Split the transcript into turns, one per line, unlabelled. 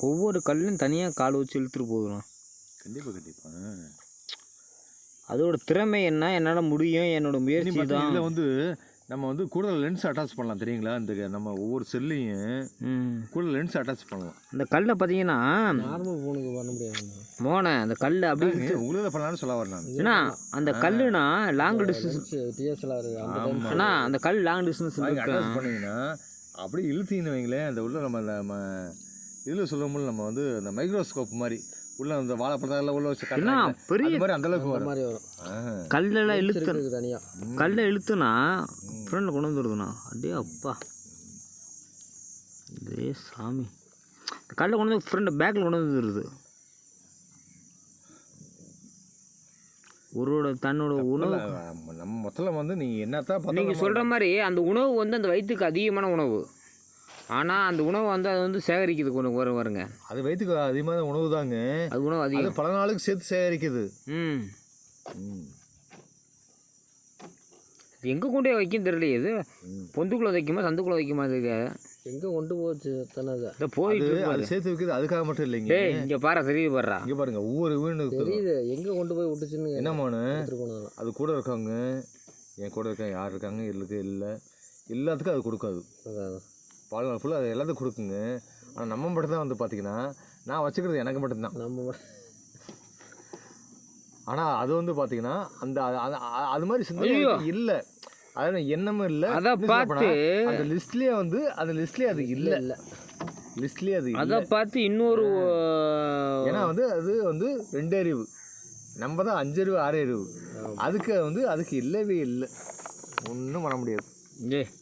ஒவ்வொரு கல்லும் தனியாக கால் வச்சு இழுத்துட்டு போகணும்.
கண்டிப்பாக
அதோட திறமை என்ன, என்னால் முடியும், என்னோட முயற்சி தான்.
இதில் வந்து நம்ம வந்து கூடுதல் லென்ஸ் அட்டாச் பண்ணலாம் தெரியுங்களா? இந்த நம்ம ஒவ்வொரு செல்லையும் கூடுதல் லென்ஸ் அட்டாச் பண்ணலாம்.
அந்த கல்லை பார்த்தீங்கன்னா
நார்மல் ஃபோனுக்கு பண்ண முடியாது
மோனை, அந்த கல் அப்படி
உங்களுக்கு பண்ணலான்னு சொல்ல வரலாம்.
ஏன்னா அந்த கல்லுனா லாங் டிஸ்டன்ஸ்
டிஎஸ்எல்ஆர்
ஏன்னா அந்த கல் லாங் டிஸ்டன்ஸ்
அட்டாச் பண்ணிங்கன்னா அப்படியே இழுத்தீங்கன்னு வைங்களேன், அந்த உள்ள நம்ம இதில் சொல்லும்போது நம்ம வந்து அந்த மைக்ரோஸ்கோப் மாதிரி உள்ள அந்த வாழைப்பழத்தில் உள்ள வச்சு பெரிய மாதிரி அந்த அளவுக்கு வரும்.
கல்லெல்லாம் இழுத்து தனியாக கல்லை இழுத்துனா ஃப்ரெண்டில் கொண்டு வந்துடுதுண்ணா. அப்படியே அப்பா இதே சாமி, கல்லை கொண்டு வந்து ஃப்ரெண்டு பேக்கில் கொண்டு வந்துடுது. ஒருவோட தன்னோட உணவு
நம்ம மொத்தத்தில் வந்து நீங்கள் என்னத்தான்
நீங்கள் சொல்கிற மாதிரி அந்த உணவு வந்து அந்த வயிற்றுக்கு அதிகமான உணவு. ஆனால் அந்த உணவை வந்து அது வந்து சேகரிக்குது கொஞ்சம் வருங்க. அது
வயிற்றுக்கு அதிகமான உணவு தாங்க.
அது உணவு அதிகம்,
பல நாளுக்கு சேர்த்து சேகரிக்குது.
எங்கே கொண்டே வைக்கும் தெரியலையே. இது பொந்துக்குள்ளே வைக்குமா சந்துக்குள்ளே வைக்குமா? இது
எங்கே கொண்டு போச்சு தானே
இதை போயிட்டு அது சேர்த்து வைக்கிறது. அதுக்காக மட்டும் இல்லைங்க.
இங்கே பாரு, தெரியுது பாடுறா,
இங்கே பாருங்க ஒவ்வொரு வீடு
தெரியுது எங்கே கொண்டு போய் விட்டுச்சுன்னு.
என்னமானு அது கூட இருக்காங்க, என் கூட இருக்காங்க, யார் இருக்காங்க இல்லை எல்லாத்துக்கும் அது கொடுக்காது. வாழ்நாள் ஃபுல்லாக அது எல்லாத்துக்கும் கொடுக்குங்க. ஆனால் நம்ம மட்டும் தான் வந்து பார்த்தீங்கன்னா நான் வச்சுக்கிறது எனக்கு மட்டும்தான். ஆனால் அது வந்து பார்த்தீங்கன்னா அந்த அது மாதிரி சிந்தனை இல்லை, அது எண்ணமும் இல்லை.
அதை பார்த்து
அந்த லிஸ்ட்லேயே வந்து அந்த லிஸ்ட்லேயே அது இல்லை லிஸ்ட்லேயே அது
அதை பார்த்து இன்னொரு
ஏன்னா வந்து அது வந்து 2 அறிவு, நம்ம தான் 5 அறிவு 6 அறிவு. அதுக்கு வந்து அதுக்கு இல்லவே இல்லை, ஒன்றும் பண்ண முடியாது.